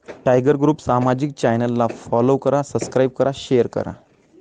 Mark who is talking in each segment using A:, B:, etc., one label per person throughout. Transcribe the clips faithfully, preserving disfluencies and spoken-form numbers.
A: Tiger group सामाजिक चॅनलला follow करा, सबस्क्राईब करा, शेअर करा.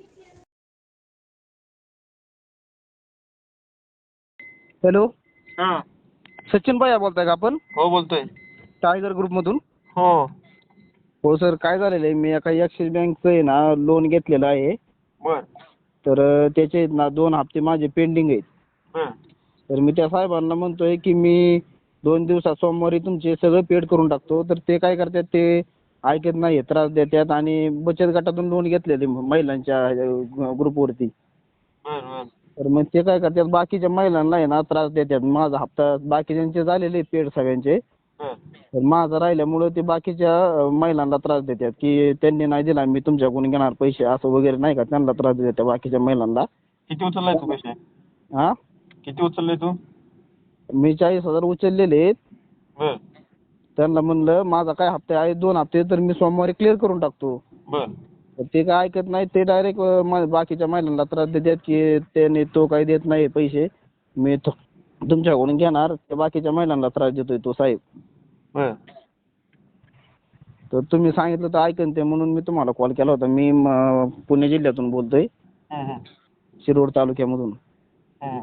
B: हॅलो,
C: हा.
B: सचिन भैया बोलताय का आपण?
C: हो बोलतोय.
B: टायगर ग्रुपमधून.
C: हो
B: हो सर, काय झालेलं आहे, मी एका ॲक्सिस बँकचं आहे ना लोन घेतलेलं आहे.
C: बर
B: तर अ, त्याचे ना दोन हप्ते माझे पेंडिंग आहेत.
C: बर
B: तर मी त्या साहेबांना म्हणतोय की मी दोन दिवसात सोमवारी तुमचे सगळं पेड करून टाकतो. तर ते काय करतात, ते ऐकत नाही, त्रास देतात. आणि बचत गटातून लोन घेतलेले महिलांच्या अ, ग्रुपवरती.
C: बर बर
B: तर मग ते काय करतात, बाकीच्या महिलांना आहे ना त्रास देतात. माझा हप्ता बाकीच्यांचे झालेले पेड सगळ्यांचे,
C: बर
B: तर माझा राहिल्यामुळं ते बाकीच्या अ, महिलांना त्रास देतात की त्यांनी नाही दिला, मी तुमच्याकडून घेणार पैसे, असं वगैरे नाही का, त्यांना त्रास देतात बाकीच्या महिलांना.
C: किती उचललाय तू पैसे?
B: हा,
C: किती उचलले तू?
B: मी चाळीस हजार उचललेले आहेत.
C: बर
B: त्यांना म्हणलं माझा काय हप्ते आहे, दोन हप्ते, तर मी सोमवारी क्लिअर करून टाकतो.
C: बर
B: तर ते काय ऐकत नाही, ते डायरेक्ट बाकीच्या महिलांना त्रास देतात की त्याने तो काही देत नाही पैसे, मी तो- तुमच्याकडून घेणार. त्या बाकीच्या महिलांना त्रास देतोय तो साहेब.
C: बर
B: तर तुम्ही सांगितलं तर ऐकन ते, म्हणून मी तुम्हाला कॉल केला होता. मी म, पुणे जिल्ह्यातून बोलतोय,
C: हम्म, हम्म,
B: शिरोड तालुक्यामधून.
C: हम्म.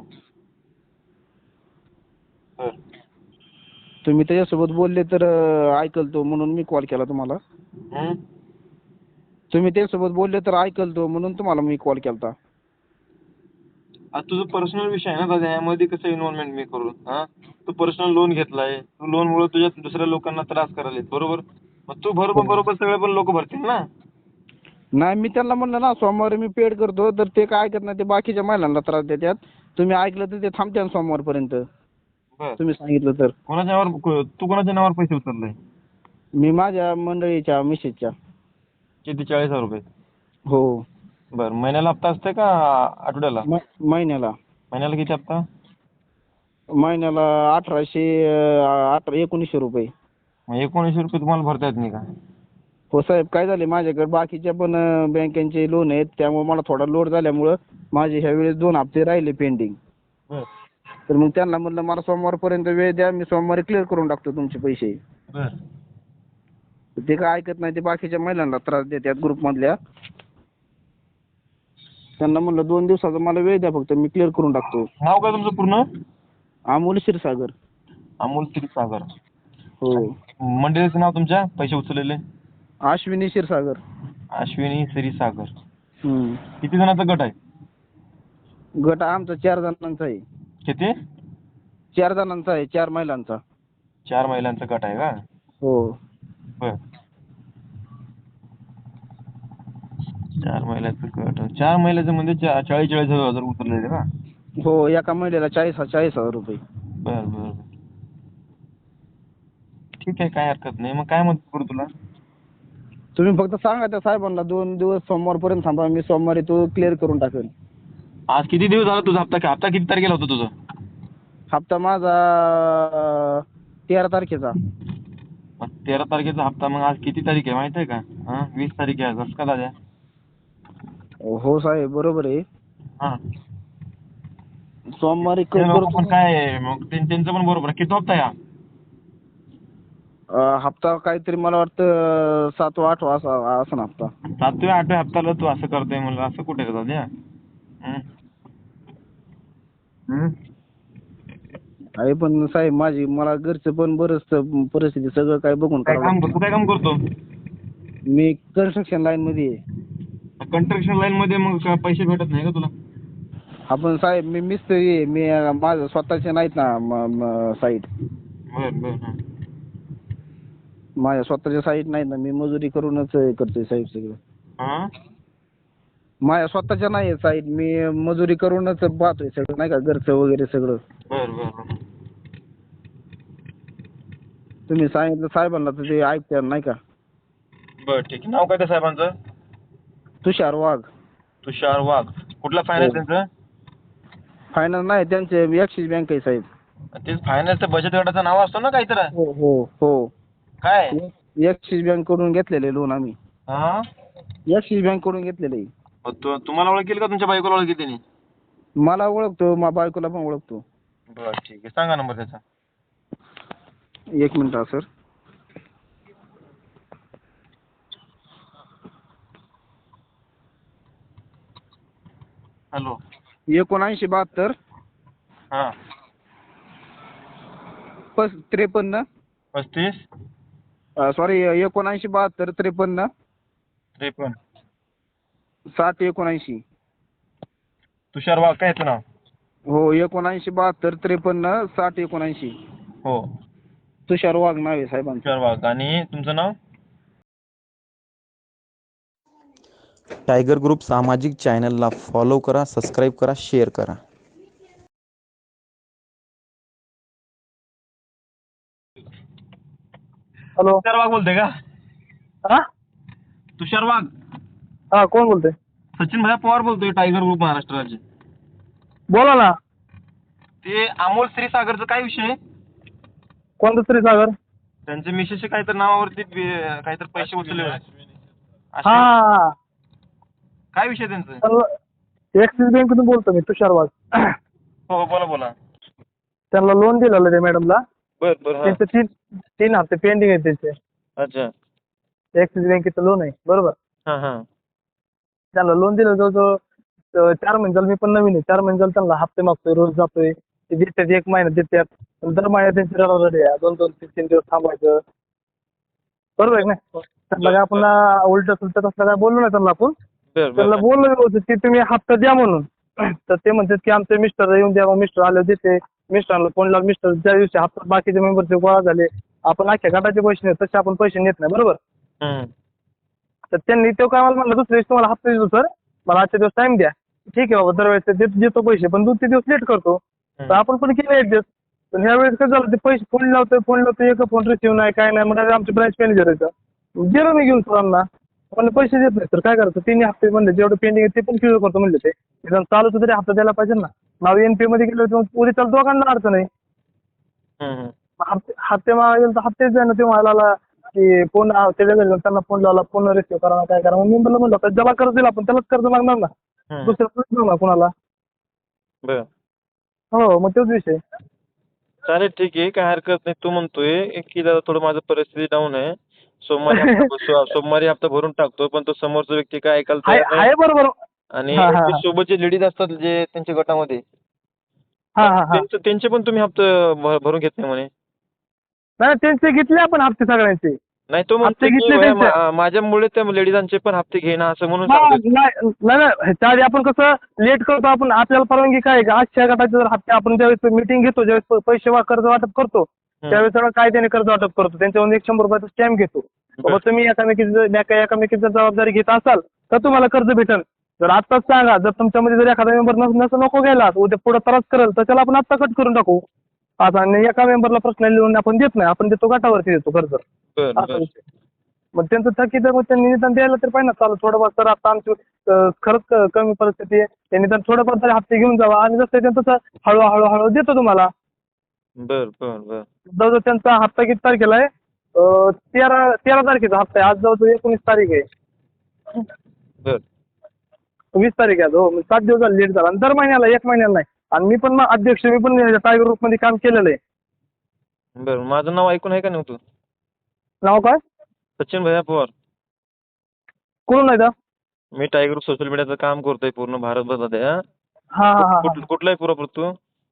C: बर
B: तुम्ही त्याच्यासोबत बोलले तर अ, ऐकल तो, म्हणून मी कॉल केला तुम्हाला.
C: हम्म.
B: तुम्ही त्याच्यासोबत बोलले तर ऐकल तो, म्हणून तुम्हाला मी कॉल केला.
C: आता तुझं पर्सनल विषय आहे ना दादा, यामध्ये कसं इन्व्हॉल्वमेंट मी करू? हा, तू पर्सनल लोन घेतलाय, तू लोन मुळे तुझ्या दुसऱ्या लोकांना त्रास करायला, बरोबर? मग तू बरोबर बरोबर सगळे पण लोक भरतील ना.
B: नाही, मी त्यांना म्हणलं ना सोमवारी मी पेड करतो, तर ते काय ऐकत नाही, ते बाकीच्या महिलांना त्रास देतात. तुम्ही ऐकलं तर ते थांबते सोमवारपर्यंत,
C: बर
B: तुम्ही सांगितलं तर.
C: कोणाच्या नावावर तू कोणाच्या नावावर पैसे उचलले?
B: मी माझ्या मंडळीच्या मिसेसच्या.
C: किती? चाळीस हजार रुपये?
B: हो,
C: बर महिन्याला हप्ता असते का आठवड्याला?
B: म- महिन्याला
C: महिन्याला किती हप्ता?
B: महिन्याला अठराशे अं, अठरा एकोणीसशे रुपये.
C: मग एकोणीसशे रुपये तुम्हाला भरता येत नाही का?
B: हो साहेब, काय झाले, माझ्याकडे बाकीच्या पण अं, बँकांचे लोन आहेत, त्यामुळे मला थोडा लोड झाल्यामुळं माझे ह्या वेळेस दोन हप्ते राहिले पेंडिंग.
C: बर
B: तर मग त्यांना म्हणलं मला सोमवारपर्यंत वेळ द्या, मी सोमवारी क्लिअर करून टाकतो तुमचे पैसे.
C: बर
B: ते काय ऐकत नाही, ते बाकीच्या महिलांना त्रास देतात ग्रुपमधल्या. त्यांना म्हणलं दोन दिवसाचा मला वेळ द्या फक्त, मी क्लिअर करून टाकतो.
C: नाव काय तुमचं पूर्ण?
B: अमोल क्षीरसागर.
C: अमोल क्षीरसागर.
B: हो,
C: मंडळीचं नाव तुमच्या पैसे उचललेले?
B: अश्विनी क्षीरसागर.
C: अश्विनी क्षीरसागर.
B: हम्म.
C: किती जणांचा गट आहे?
B: गट आमचा चार जणांचा आहे.
C: किती?
B: चार जणांचा आहे, चार महिलांचा.
C: चार महिलांचा गट आहे का?
B: हो.
C: बर चार महिलांचा गट. चार महिलाचं म्हणजे चा- चाळीस चाळीस हजार उचललेले का?
B: हो, एका महिलेला चाळीस चाळीस हजार रुपये.
C: बर बर ठीक आहे, काय हरकत नाही. मग काय मदत करू तुला?
B: तुम्ही फक्त सांगा त्या साहेबांना दोन दिवस सोमवारपर्यंत थांबा, मी सोमवारी तो क्लिअर करून टाकेन.
C: आज किती दिवस झाला तुझा हप्ता? हप्ता किती तारखेला होता तुझा?
B: हप्ता माझा अं, तेरा तारखेचा.
C: मग तेरा तारखेचा हप्ता. मग आज किती तारीख आहे माहिती आहे का? हा, वीस तारीख आहे. कसं का दादा?
B: हो साहेब, बरोबर आहे.
C: हा,
B: सोमवारी
C: ते
B: क-
C: लोक
B: करतो.
C: पण काय आहे, मग त्यां- त्यांचं पण बरोबर आहे. किती हप्ता आहे हा?
B: अं, हप्ता काहीतरी मला वाटतं सातवा आठवा असा असं हप्ता.
C: सातव्या आठव्या हप्त्याला तू असं करतोय म्हणलं, असं कुठे रे दादा? हं? हं?
B: आहे पण साहेब, माझी मला घरचं पण बरंच परिस्थिती सगळं काय बघून
C: काय
B: करावं
C: काम
B: लागतं.
C: तू काय काम करतो?
B: मी कन्स्ट्रक्शन लाईन मध्ये आहे.
C: कंस्ट्रक्शन लाईन मध्ये मग काय पैसे भेटत नाही का तुला?
B: आपण साहेब, मी मिस्त्री आहे. मी अं, माझं स्वतःचे नाहीत ना साईट.
C: बर बर हा.
B: माझ्या स्वतःच्या साईट नाहीत ना, मी मजुरी करूनच हे करतोय साहेब सगळं.
C: हा?
B: माझ्या स्वतःच्या नाही साईट, मी मजुरी करूनच पाहतोय सगळं, नाही का, घरचं वगैरे सगळं.
C: बर बर बर
B: तुम्ही सांगितलं साहेबांना तर ते ऐकतात, नाही का.
C: बर ठीक आहे. नाव काय त्या साहेबांचं?
B: तुषार वाघ.
C: तुषार वाघ. कुठला फायनान्स त्यांचं?
B: फायनान्स नाही, त्यांचे ॲक्सिस बँक आहे साहेब.
C: तेच फायनान्सचं बचत गटाचं नाव असतं ना काहीतरी?
B: हो हो हो.
C: काय?
B: ॲक्सिस बँक कडून घेतलेले लोन आम्ही.
C: हा?
B: ॲक्सिस बँक कडून घेतलेले.
C: मग तु- तुम्हाला ओळखेल का तुमच्या बायकोला ओळखी त्यांनी?
B: मला ओळखतो, माझ्या बायकोला पण ओळखतो.
C: बर ठीक आहे. सांगा नंबर त्याचा.
B: एक मिनिट हा सर.
C: हॅलो.
B: एकोणऐंशी बहात्तर
C: हा.
B: पस त्रेपन्न
C: पस्तीस
B: सॉरी एकोणऐंशी बहात्तर त्रेपन्न
C: त्रेपन्न.
B: सात एकोणऐंशी.
C: तुषार वाघ काय याचं नाव?
B: हो एकोणऐंशी बहात्तर त्रेपन्न साठ एकोणऐंशी.
C: हो
B: तुषार वाघ नाव आहे साहेबांचं.
C: तुषार वाघ. आणि तुमचं नाव?
A: टायगर ग्रुप सामाजिक चॅनलला फॉलो करा, सबस्क्राईब करा, शेअर करा.
D: हॅलो.
C: तुषार वाघ बोलतोय का?
D: हा
C: तुषार वाघ.
D: हा कोण बोलतोय?
C: सचिन भैया पवार बोलतोय, टायगर ग्रुप महाराष्ट्र राज्य.
D: बोला ना.
C: ते अमोल श्रीसागरचं काय विषय?
D: कोणतं श्रीसागर?
C: त्यांच्या मिसेसच्या काहीतरी नावावरती बे- काहीतरी पैसे उचलले होते.
D: हा
C: असे-
D: हा हा.
C: काय विषय त्यांचं?
D: त्यांना ऍक्सिस बँकेतून बोलतो मी, तुषार वाघ.
C: हो हो, बोला बोला.
D: त्यांना लोन दिलेलं त्या मॅडमला.
C: बर बर. हा.
D: त्यांचे तीन तीन हप्ते पेंडिंग आहेत त्यांचे.
C: अच्छा.
D: ऍक्सिस बँकेचं लोन आहे बरोबर.
C: हा हा.
D: त्यांना लोन दिलं जवळजवळ अं, चार महिने झाले, मी पण नवीन आहे. चार महिने झाले त्यांना हप्ते मागतोय, रोज जातोय. ते देतात, एक महिना देतात. पण दर महिन्यात त्यांची रडारडी आहे. दोन दोन तीन तीन दिवस थांबायचं. बरोबर आहे ना? त्यांना काय आपण उलट सुलट तसलं काय बोललो नाही त्यांना आपण.
C: बर
D: त्यांना
C: बर.
D: बोललो होतं की तुम्ही हप्ता द्या म्हणून. तर ते म्हणतात की आमचे मिस्टर येऊन द्या. मग मिस्टर आले देते. मिस्टरांना फोन लावून मिस्टर ज्या दिवशी हप्ता बाकीचे मेंबरचे गोळा झाले, आपण अख्ख्या गटाचे पैसे नेत, तसे आपण पैसे नेत नाही बरोबर.
C: हम्म.
D: तर त्यांनी तो काय मला म्हणलं, दुसऱ्या दिवशी तुम्हाला हप्ता देतो सर, मला आजच्या दिवस टाइम द्या. ठीक आहे बाबा, दरवेळेस देतो देतो पैसे, पण दोन तीन दिवस लेट करतो. तर आपण पण केलं ऍडजस्ट. पण ह्या वेळेस काय झालं, ते पैसे फोन लावतोय फोन लावतोय एक फोन रिसिव्ह नाही काय नाही. म्हणजे आमचे ब्रांच मॅनेजर आहे, गेलो मी घेऊन सरांना. मला पैसे देत नाही तर काय करायचं? तिन्ही हप्ते म्हणले जेवढे पेंडिंग आहे ते पण क्लिअर करतो म्हणले. ते निदान चालू तरी हप्ता द्यायला पाहिजे ना. नाव एनपी मध्ये गेलो तर उद्या चालू दोघांना अडचण आहे.
C: हम्म.
D: हप्ते हप्ते मागा गेलो तर हप्तेच द्या ना. ते मला की फोन त्याच्या घरी जाऊन त्यांना फोन लावला, फोन रिसिव्ह करा काय करा. मग मी म्हणलं म्हणलं ज्याला कर्ज दिला आपण त्यालाच कर्ज मागणार ना,
C: हम्म.
D: दुसऱ्या ना कुणाला.
C: बर.
D: हो मग तोच विषय.
C: चालेल ठीक आहे, काय हरकत नाही. तू म्हणतोय की दादा थोडं माझं परिस्थिती डाऊन आहे, सोमवारी हप्ता सो- सोमवारी हप्ता भरून टाकतो, पण तो समोरचा व्यक्ती काय ऐकायला
D: आहे
C: तयार नाही.
D: आहे बरोबर.
C: आणि
D: हा, हा,
C: जे
D: हा.
C: सोबतचे लेडीज असतात जे त्यांच्या गटामध्ये,
D: हा हा हा.
C: त्यांचं त्यांचे पण तुम्ही हप्ते भ- भरून घेत नाही म्हणे.
D: नाही त्यांचे घेतले आपण हप्ते सगळ्यांचे.
C: नाही तो
D: हप्ते
C: म्हणतो की
D: घेतले
C: भैया
D: त्यांचे.
C: मा- माझ्यामुळे त्या लेडीजांचे पण हप्ते घेणं असं म्हणून
D: हा
C: सांगतोय.
D: नाही नाही नाही, ह्याच्या आधी आपण कसं लेट करतो. आपण आपल्याला परवानगी काय आहे का, आजच्या गटाचे जर हप्ते आपण ज्यावेळेस मीटिंग घेतो, ज्यावेळेस प- पैसे वा- कर्ज वाटप करतो, त्यावेळेस सगळं कायद्याने कर्ज वाटप करतो. त्यांच्यावर एक शंभर रुपयाचा स्टॅम्प घेतो. बाबा तुम्ही एकामेकीची एकामेकीची जर जबाबदारी घेत असाल तर तुम्हाला कर्ज भेटेल. जर आत्ताच सांगा, जर तुमच्यामध्ये जर एखादा मेंबर नसं नको घ्यायला, उद्या पुढे त्रास करेल, तर त्याला आपण आत्ता कट करून टाकू. आता आणि एका मेंबरला प्रश्न लिहून आपण देत नाही, आपण देतो गटावरती देतो कर्ज.
C: बरं
D: असा
C: बरं.
D: विषय. मग त्यांचं थकीत आहे, मग त्यांनी निदान द्यायला तर पाहिजे ना. चालू थोडंफार तर आता आमची अं, खरंच क- कमी परिस्थिती आहे. त्यांनी निदान थोडंफार तरी हप्ते घेऊन जावा, आणि जसं त्यांचं तसं हळूहळू हळू देतो तुम्हाला.
C: बर बर बर.
D: जवळजवळ त्यांचा हप्ता किती तारखेला आहे? अं, तेरा तेरा तारखेचा हप्ता आहे. आज जवळजवळ एकोणीस तारीख आहे.
C: बर.
D: वीस तारीख आहे आज. हो, सात दिवस झाले लेट झाला. आणि दर महिन्याला एक महिन्याला नाही. आणि मी पण मग अध्यक्ष, मी पण टायगर ग्रुपमध्ये काम केलेलं आहे.
C: बर, माझं नाव ऐकून आहे का नाही तू?
D: नाव काय?
C: सचिन भैया पवार.
D: कोण नाही का?
C: मी टायगर ग्रुप सोशल मीडियाचं काम करतोय पूर्ण भारतभरात. हा?
D: हा हा हा
C: कुठ- कुठला आहे पुरापूर तू?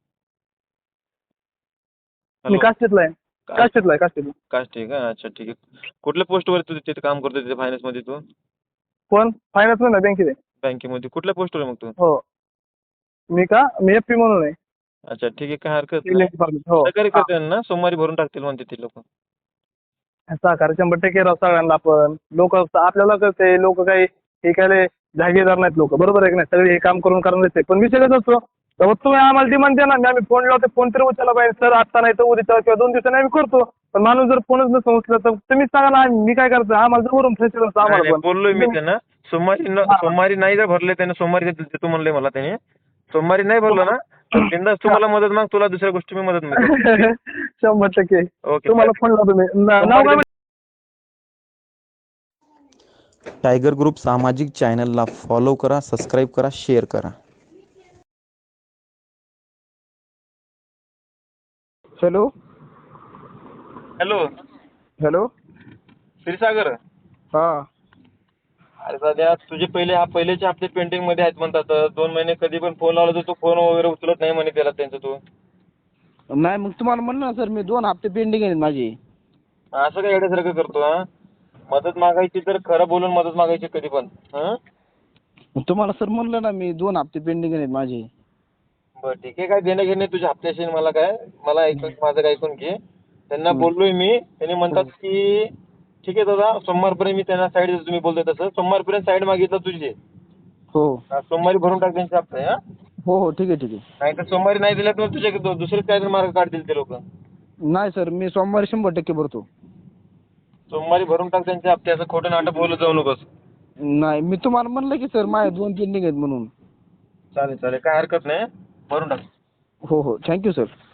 D: मी
C: हॅलो.
D: काष्टीतला आहे. काष्टीतला आहे काष्टीतला.
C: कास्ट आहे का? अच्छा ठीक आहे. कुठल्या पोस्टवर तू तिथे काम करतोय तिथे फायनान्समध्ये तू?
D: कोण? फायनान्स ना बँकेत आहे.
C: बँकेमध्ये कुठल्या पोस्टवर आहे मग तू?
D: हो. मी का? मी एफ पी म्हणून आहे.
C: अच्छा ठीक आहे, काय हरकत
D: Civil
C: नाही.
D: Department. हो.
C: सहकार्य
D: हा.
C: करते ना, सोमवारी भरून टाकतील म्हणते ती लोक.
D: सहकार्य शंभर टक्के राव सगळ्यांना. आपण लोक आपल्याला कळते, लोक काही हे काय जागीरदार नाहीत लोक, बरोबर आहे की नाही? सगळे हे काम करून करणार आहे. पण विषय कसं असतो, तर तुम्ही आम्हाला डिमांड द्या ना, मी आम्ही फोन लावतो, फोन तरी उचलला पाहिजे सर, आत्ता नाही तर उद्या किंवा दोन दिवसांनी आम्ही करतो. पण माणूस जर फोनच नसतं उचलला तर तुम्हीच सांगा ना, मी काय करतो, आम्हाला जवळून फ्रेश असतं
C: नाही,
D: आम्हाला
C: नाही,
D: पण.
C: बोललोय मी त्यांना. सोमवारी न-
D: हा.
C: सोमवारी नाही जर भरले त्याने, सोमवारी देतो देतो म्हणले मला त्याने. सोमवारी नाही भरलं ना तर बिनधास्त तुम्हाला मदत माग, तुला दुसऱ्या गोष्टी मी मदत मिळते.
D: शंभर टक्के
C: ओके.
D: तुम्हाला फोन लावतो मी. ना- नाव काय?
A: टायगर ग्रुप सामाजिक चॅनलला फॉलो करा, सबस्क्राईब करा, शेअर करा.
B: Hello
C: hello
B: hello.
C: क्षीरसागर.
B: हा
C: अरे सध्या तुझे पहिले हा पहिलेचे हप्ते पेंडिंग मध्ये आहेत म्हणतात. दोन महिने कधी पण फोन लावला तर तू फोन वगैरे उचलत नाही म्हणे त्याला त्यांचं तू.
B: नाही मग तुम्हाला म्हणलं ना सर मी दोन हप्ते पेंडिंग आहेत माझे.
C: असं काय येण्यासारखं करतो हा? मदत मागायची तर खरं बोलून मदत मागायची कधी पण. हं?
B: मग तुम्हाला सर म्हणलं ना मी दोन हप्ते पेंडिंग आहेत माझे.
C: बरं ठीक आहे. काय देणं घेणे तुझ्या हप्त्याशी मला काय, मला ऐकून माझं काय ऐकून घे. त्यांना बोललोय मी. त्यांनी म्हणतात की ठीक आहे दादा, सोमवारपर्यंत मी त्यांना साईड देतो तुम्ही बोलतोय तसं. सोमवारपर्यंत साईड मागितलं तुझी.
B: हो
C: हा, सोमवारी भरून टाक त्यांचे हप्ते. हा,
B: हो हो ठीक आहे ठीक आहे.
C: नाही तर सोमवारी नाही दिलं तर तुझे दुसरेच काहीतरी मार्ग काढतील ते लोक.
B: नाही सर मी सोमवारी शंभर टक्के भरतो.
C: सोमवारी भरून टाक त्यांचे हप्ते. असं खोटं नाटक बोलत जाऊ नकोस.
B: नाही मी तुम्हाला म्हणलं की सर माझे दोन पेंडिंग आहेत म्हणून.
C: चालेल चालेल, काय हरकत नाही. भरून टाक.
B: हो हो थँक्यू सर.